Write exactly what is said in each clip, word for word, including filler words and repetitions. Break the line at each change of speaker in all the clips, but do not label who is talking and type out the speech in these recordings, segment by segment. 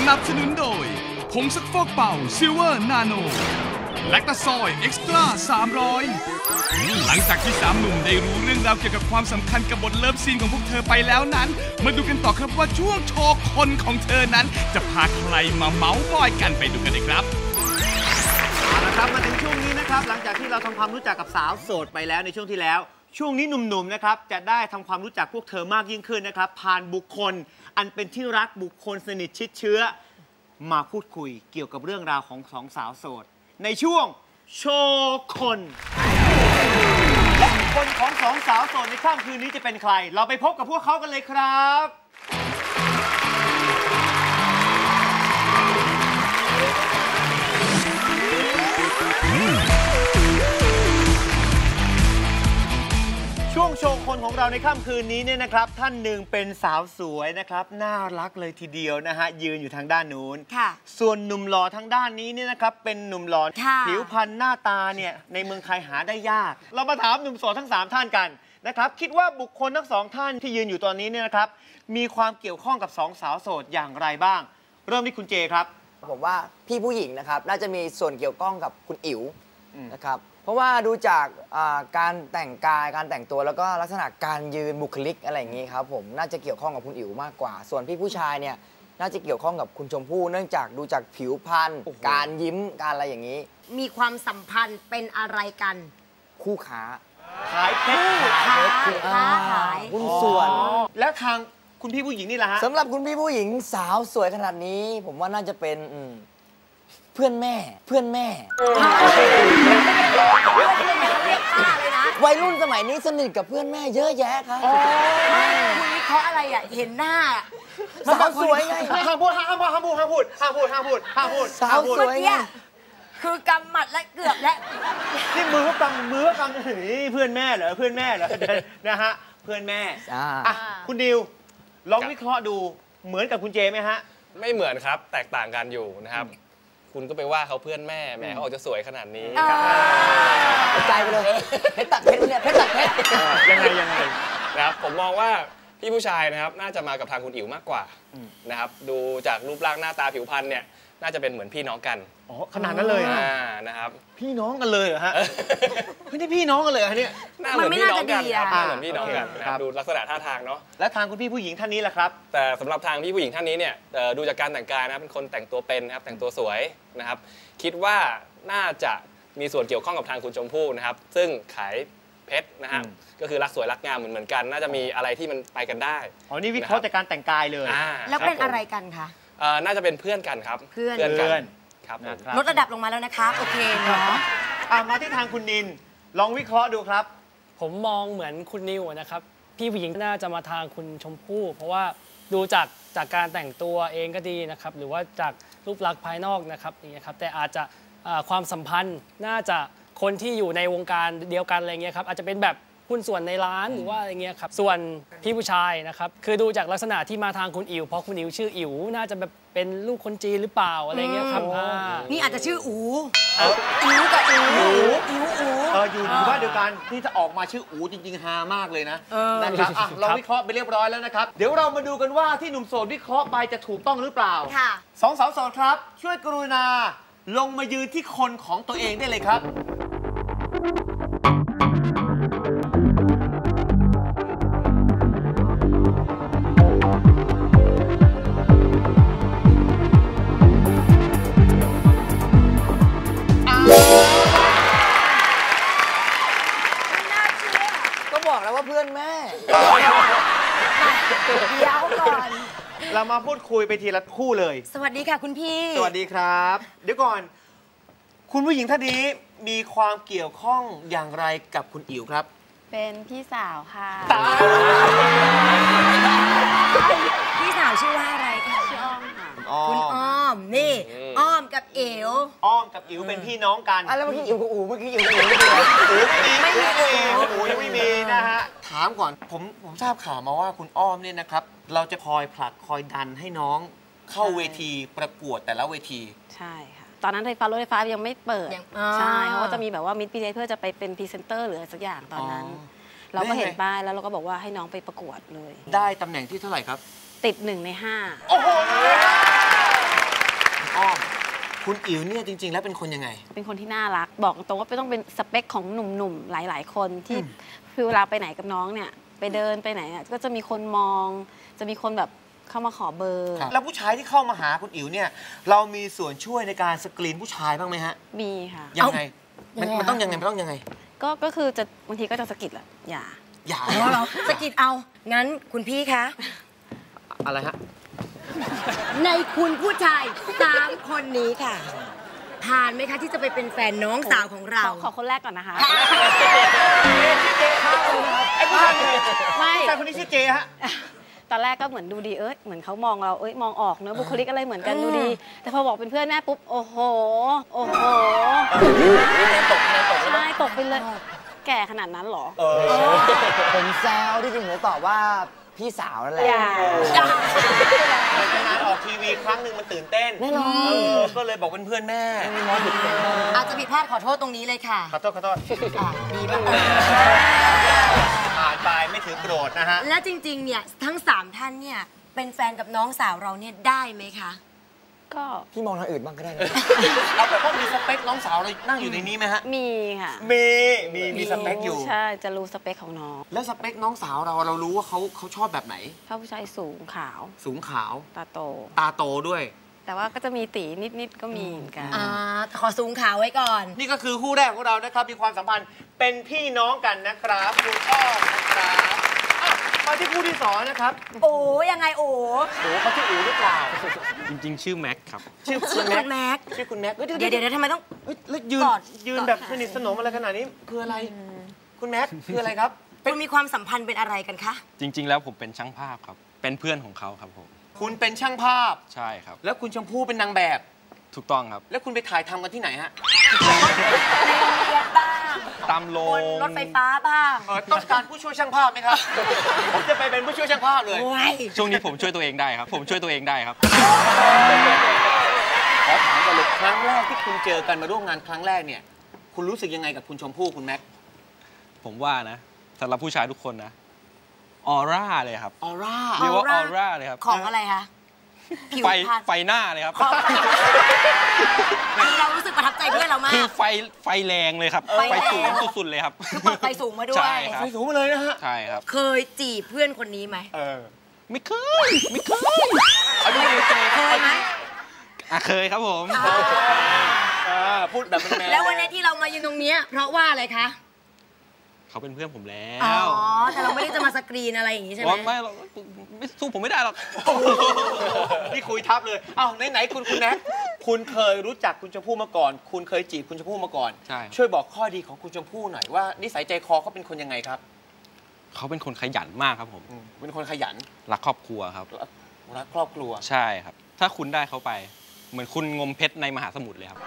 นับสนุนโดยผงซักฟอกเป่าซิลเวอร์นาโนแลคตาซอยเอ็กซ์ตร้าสามร้อยหลังจากที่สามหนุ่มได้รู้เรื่องราวเกี่ยวกับความสำคัญกับบทเลิฟซีนของพวกเธอไปแล้วนั้นมาดูกันต่อครับว่าช่วงโชว์คนของเธอนั้นจะพาใครมาเมาส์มอยกันไปดูกันเลยครับ
เอาละครับมาถึงช่วงนี้นะครับหลังจากที่เราทำความรู้จักกับสาวโสดไปแล้วในช่วงที่แล้วช่วงนี้หนุ่มๆนะครับจะได้ทำความรู้จักพวกเธอมากยิ่งขึ้นนะครับผ่านบุคคลอันเป็นที่รักบุคคลสนิทชิดเชื้อมาพูดคุยเกี่ยวกับเรื่องราวของสองสาวโสดในช่วงโชว์คนและคนของสองสาวโสดในค่ำคืนนี้จะเป็นใครเราไปพบกับพวกเขากันเลยครับช่วงโชว์คนของเราในค่ำคืนนี้เนี่ยนะครับท่านหนึ่งเป็นสาวสวยนะครับน่ารักเลยทีเดียวนะฮะยืนอยู่ทางด้านนู้นส่วนหนุ่มหล่อทางด้านนี้เนี่ยนะครับเป็นหนุ่มหล่อผิวพรรณหน้าตาเนี่ยในเมืองไทยหาได้ยากเรามาถามหนุ่มโสดทั้งสามท่านกันนะครับคิดว่าบุคคลทั้งสองท่านที่ยืนอยู่ตอนนี้เนี่ยนะครับมีความเกี่ยวข้องกับสองสาวโสดอย่างไรบ้างเริ่มที่คุณเจครับ
ผมว่าพี่ผู้หญิงนะครับน่าจะมีส่วนเกี่ยวข้องกับคุณอิ๋วนะครับเพราะว่าดูจากการแต่งกายการแต่งตัวแล้วก็ลักษณะการยืนบุคลิกอะไรอย่างนี้ครับผมน่าจะเกี่ยวข้องกับคุณอิ๋วมากกว่าส่วนพี่ผู้ชายเนี่ยน่าจะเกี่ยวข้องกับคุณชมพู่เนื่องจากดูจากผิวพรรณการยิ้มการอะไรอย่างนี้
มีความสัมพันธ์เป็นอะไรกัน
คู่ค้า
ขายเพชร
ขายค้าขาย
หุ้นส่วน
แล้วทางคุณพี่ผู้หญิงนี่แหละฮะ
สำหรับคุณพี่ผู้หญิงสาวสวยขนาดนี้ผมว่าน่าจะเป็นเพื่อนแม่เพื่อนแม่วัยรุ่นสมัยนี้สนิทกับเพื่อนแม่เยอะแยะครับ
คุณวิเคราะห์อะไรอ่ะเห็นหน้า
สาวสวยไง
ห้ามพูดห้ามพูดห้ามพูดห้ามพูดห้ามพูดห้ามพูดห้ามพูด
สาวสวยไง
คือกำหมัดและเกือบและ
นี่มือเขากำมือกำนี่เพื่อนแม่เหรอเพื่อนแม่เหรอนะฮะเพื่อนแม่อ่ะคุณดิวลองวิเคราะห์ดูเหมือนกับคุณเจไหมฮะ
ไม่เหมือนครับแตกต่างกันอยู่นะครับคุณก็ไปว่าเขาเพื่อนแม่แม่เขาออกจะสวยขนาดนี้
ใจไปเลยเพชรตัดเพชรเนี่ยเพชรตัดเพชร
ยังไงยังไง
นะครับผมมองว่าพี่ผู้ชายนะครับน่าจะมากับทางคุณอิ๋วมากกว่านะครับดูจากรูปร่างหน้าตาผิวพรรณเนี่ยน่าจะเป็นเหมือนพี่น้องกัน
อ๋อขนาดนั้นเลย
นะครับ
พี่น้องกันเลยเหรอฮะไม่ได้พี่น้องกันเลยฮะเนี่ย
น่าเหมือนพี่น้องกันครับเหมือนพี่น้องกันนะครับดูลักษณะท่าทางเนาะ
แล้วทางคุณพี่ผู้หญิงท่านนี้ล่ะครับ
แต่สำหรับทางพี่ผู้หญิงท่านนี้เนี่ยดูจากการแต่งกายนะเป็นคนแต่งตัวเป็นนะครับแต่งตัวสวยนะครับคิดว่าน่าจะมีส่วนเกี่ยวข้องกับทางคุณชมพู่นะครับซึ่งขายเพชรนะฮะก็คือรักสวยรักงามเหมือนเหมือนกันน่าจะมีอะไรที่มันไปกันได้
อ๋อนี่วิเคราะห์จากการแต่งกายเลย
แล้วเป็นอะไรกันคะ
น่าจะเป็นเพื่อนกันครับ
เพื่อน
กันครับ
ลดระดับลงมาแล้วนะคะโอเคเนาะ
มาที่ทางคุณนินลองวิเคราะห์ดูครับ
ผมมองเหมือนคุณนิวนะครับพี่ผู้หญิงน่าจะมาทางคุณชมพู่เพราะว่าดูจากจากการแต่งตัวเองก็ดีนะครับหรือว่าจากรูปลักษณ์ภายนอกนะครับอย่างเงี้ยครับแต่อาจจะความสัมพันธ์น่าจะคนที่อยู่ในวงการเดียวกันอะไรเงี้ยครับอาจจะเป็นแบบหุ้นส่วนในร้านหรือว่าอะไรเงี้ยครับส่วนพี่ผู้ชายนะครับคือดูจากลักษณะที่มาทางคุณอิ๋วเพราะคุณอิ๋วชื่ออิ๋วน่าจะแบบเป็นลูกคนจีนหรือเปล่าอะไรเงี้ยครับ
นี่อาจจะชื่ออูอิ๋วกับอูอิ๋วอู
เอออยู่หมู่บ้านเดียวกันที่จะออกมาชื่ออูจริงๆฮามากเลยนะนะครับอ่ะเราวิเคราะห์ไปเรียบร้อยแล้วนะครับเดี๋ยวเรามาดูกันว่าที่หนุ่มโสดวิเคราะห์ไปจะถูกต้องหรือเปล่า
ค่ะ
สองสาวโสดครับช่วยกรุณาลงมายืนที่คนของตัวเองได้เลยครับ
ก็บอกแล้วว่าเพื่อนแม่
เดี๋ยวก่อน
เรามาพูดคุยไปทีละคู่เลย
สวัสดีค่ะคุณพี่
สวัสดีครับเดี๋ยวก่อนคุณผู้หญิงท่านนี้มีความเกี่ยวข้องอย่างไรกับคุณอิ๋วครับ
เป็นพี่สาวค่ะ
พี่สาวชื่อว่าอะไรคะ
ชื่ออ้อมค่ะ
คุณอ้อมนี่อ้อมกับเอ๋ว
อ้อมกับอิ๋วเป็นพี่น้องกัน
อ่ะแล้วเมื่อกี้อิ๋วกับอูเมื่อกี้อิ๋วกับอู
ไม่มีอูอูยังไม่มีนะฮะถามก่อนผมผมทราบข่าวมาว่าคุณอ้อมเนี่ยนะครับเราจะคอยผลักคอยดันให้น้องเข้าเวทีประกวดแต่ละเวที
ใช่ค่ะตอนนั้นไฟฟ้ารถไฟฟ้ายังไม่เปิดใช่เขาก็จะมีแบบว่ามิดพีเพื่อจะไปเป็นพรีเซนเตอร์หรืออะไรสักอย่างตอนนั้นเราก็เห็นป้ายแล้วเราก็บอกว่าให้น้องไปประกวดเลย
ได้ตำแหน่งที่เท่าไหร่ครับ
ติดหนึ่งในห้า
โอ้โหอ้อมคุณอิ๋วเนี่ยจริง ๆ แล้วเป็นคนยังไง
เป็นคนที่น่ารักบอกตรงว่าต้องเป็นสเปคของหนุ่มๆหลายๆคนที่คือเวลาไปไหนกับน้องเนี่ยไปเดินไปไหนก็จะมีคนมองจะมีคนแบบเข้ามาขอเบอร์
แล้วผู้ชายที่เข้ามาหาคุณอิ๋วเนี่ยเรามีส่วนช่วยในการสกรีนผู้ชายบ้างไหมฮะ
มีค่ะ
ยังไงมันมันต้องยังไงมันต้องยังไง
ก็ก็คือจะบางทีก็จะสะกิดแหละอย่า
อย่า
เราสะกิดเอางั้นคุณพี่คะ
อะไรฮะ
ในคุณผู้ชายสามคนนี้ค่ะผ่านไหมคะที่จะไปเป็นแฟนน้องสาวของเรา
ขอคนแรกก่อนนะคะ
ไอ้ผู้ชาย
ไม่
ผู้ชายคนนี้ชื่อเจฮะ
ตอนแรกก็เหมือนดูดีเอ้ยเหมือนเขามองเราเอ้ยมองออกเนอะบุคลิกอะไรเหมือนกันดูดีแต่พอบอกเป็นเพื่อนแม่ปุ๊บโอ้โหโอ้โห
ตกตก
ใช่ตกไปเลยแก่ขนาดนั้นหรอ
ผมแซวที่จริงผมตอบว่าพี่สาวนั่นแหละ
ในงานออกทีวีครั้งหนึ่งมันตื่นเต้น
แน่นอน
ก็เลยบอกเป็นเพื่อนแม่
อาจจะผิดพลาดขอโทษตรงนี้เลยค่ะ
ขอโทษขอโทษดีมากผ่านไปไม่ถือโกรธนะฮะ
และจริงๆเนี่ยทั้งสามท่านเนี่ยเป็นแฟนกับน้องสาวเราเนี่ยได้ไหมคะ
ก็
พี่มองทางอื่นบ้างก็ได้
เอาแบบว่ามีสเปคน้องสาวเรานั่งอยู่ในนี้ไหมฮะ
มีค่ะ
มีมีมีสเปคอยู่
ใช่จะรู้สเปคของน้อง
แล้วสเปคน้องสาวเราเรารู้ว่าเขาเขาชอบแบบไหน
ชอบผู้ชายสูงขาว
สูงขาว
ตาโต
ตาโตด้วย
แต่ว่าก็จะมีตีนิดๆก็มีเหมือนกัน
อ่าขอสูงขาวไว้ก่อน
นี่ก็คือคู่แรกของเรานะครับมีความสัมพันธ์เป็นพี่น้องกันนะครับคุณอ้อมนะครับมาที่คู่ที่สองนะครับ
โอ้ยังไงโอ้
โอ้เขาชื่ออู๋หรือเปล่า
จริงๆชื่อแม็กครับ
ชื่อคุณแม็กชื่อคุณแม็ก
เดี๋ยวเดี๋ยวทำไมต้อง
แล้วยืนยืนแบบสนิทสนมอะไรขนาดนี้คืออะไรคุณแม็กคืออะไรครับ
คุณมีความสัมพันธ์เป็นอะไรกันคะ
จริงๆแล้วผมเป็นช่างภาพครับเป็นเพื่อนของเขาครับผม
คุณเป็นช่างภาพ
ใช่ครับ
แล้วคุณชมพู่เป็นนางแบบ
ถูกต้องครับ
แล้วคุณไปถ่ายทำกันที่ไหนฮะ
ในโรงเรียนบ้าง
ตามโรง
รถไฟฟ้าบ้าง
ต้องการผู้ช่วยช่างภาพไหมครับผมจะไปเป็นผู้ช่วยช่างภาพเลย
ช่วงนี้ผมช่วยตัวเองได้ครับผมช่วยตัวเองได้ครับ
ขอถามกันเลยครั้งแรกที่คุณเจอกันมาร่วมงานครั้งแรกเนี่ยคุณรู้สึกยังไงกับคุณชมพู่คุณแม็ก
ผมว่านะสำหรับผู้ชายทุกคนนะออร่าเลยครับ
ออร่า
เรียกว่าออร่าเลยครับ
ของอะไรคะ
ไฟไฟหน้าเลยครับ
คือเรารู้สึกประทับใจเพื่อนเรามาก
คือไฟไฟแรงเลยครับไฟสูงสุดๆเลยครับ
คือเปิดไฟสูงมาด้วย
ไฟสูงมาเลยนะฮะ
ใช่ครับ
เคยจีบเพื่อนคนนี้ไหม
เออ
ไม่เคยไม่เคย
เอาดูเคยไหม
อ่ะเคยครับผม
พูดแบบแมน
แล้ววันนี้ที่เรามายืนตรงนี้เพราะว่าอะไรคะ
เขาเป็นเพื่อนผมแล้ว
อ๋อ แต่เราไม่ได้จะมาสกรีนอะไรอย่างนี้ใช่ไหม
ไม่ไม่สู้ผมไม่ได้หรอก
นี่คุยทับเลยอ้าวไหนๆคุณคุณแน็กคุณเคยรู้จักคุณชมพู่มาก่อนคุณเคยจีบคุณชมพู่มาก่อน
ใช่
ช่วยบอกข้อดีของคุณชมพู่หน่อยว่านิสัยใจคอเขาเป็นคนยังไงครับ
เขาเป็นคนขยันมากครับผม
เป็นคนขยัน
รักครอบครัวครับ
รักครอบครัว
ใช่ครับถ้าคุณได้เขาไปเหมือนคุณงมเพชรในมหาสมุทรเลยครับ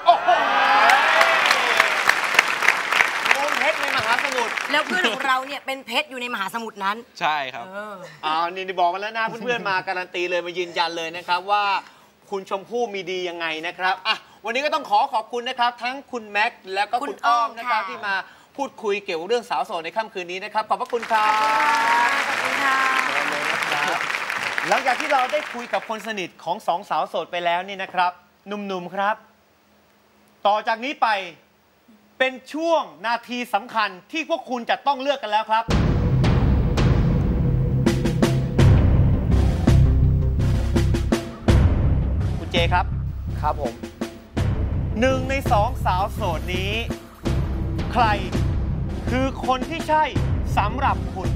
เพชรในมหาสมุทร
แล้วเพื่อนของเราเนี่ยเป็นเพชรอยู่ในมหาสมุทรนั้น
ใช่ครับ
อ้าวนี่บอกมาแล้วนะเพื่อนๆมาการันตีเลยมายืนยันเลยนะครับว่าคุณชมพู่มีดียังไงนะครับอ่ะวันนี้ก็ต้องขอขอบคุณนะครับทั้งคุณแม็กซ์แล้วก็คุณอ้อมนะครับที่มาพูดคุยเกี่ยวกับเรื่องสาวโสดในค่ำคืนนี้นะครับขอบพระคุณครับ
ขอบคุณค่ะ
หลังจากที่เราได้คุยกับคนสนิทของสองสาวโสดไปแล้วนี่นะครับหนุ่มๆครับต่อจากนี้ไปเป็นช่วงนาทีสำคัญที่พวกคุณจะต้องเลือกกันแล้วครับคุณเจครับ
ครับผม
หนึ่งในสองสาวโสดนี้ใครคือคนที่ใช่สำหรับคุณ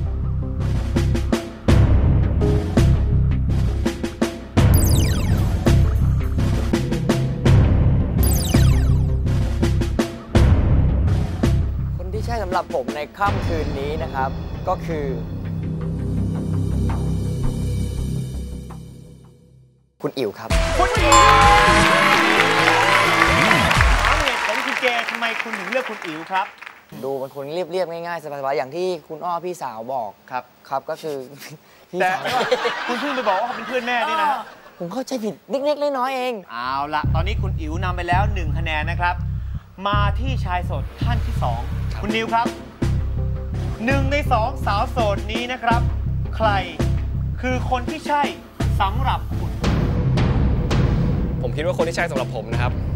ใช่สำหรับผมในค่ำคืนนี้นะครับก็คือคุณอิ๋วครับ
คุณอิ๋วถามเหตุผลคุณเจทำไมคุณถึงเลือกคุณอิ๋วครับ
ดูเป็นคนเรียบๆง่ายๆสบายๆอย่างที่คุณอ้อพี่สาวบอก
ครับ
ครับก็คือ
แต่คุณเพิ่งไปบอกว่าเขาเป็นเพื่อนแม่นี่นะ
ผมเข้าใจผิดเล็กๆน้อยๆเอง
เอาละตอนนี้คุณอิ๋วนำไปแล้วหนึ่งคะแนนนะครับมาที่ชายโสดท่านที่สองคุณนิวครับหนึ่งในสองสาวโสดนี้นะครับใครคือคนที่ใช่สำหรับคุณ
ผมคิดว่าคนที่ใช่สำหรับผมนะครับ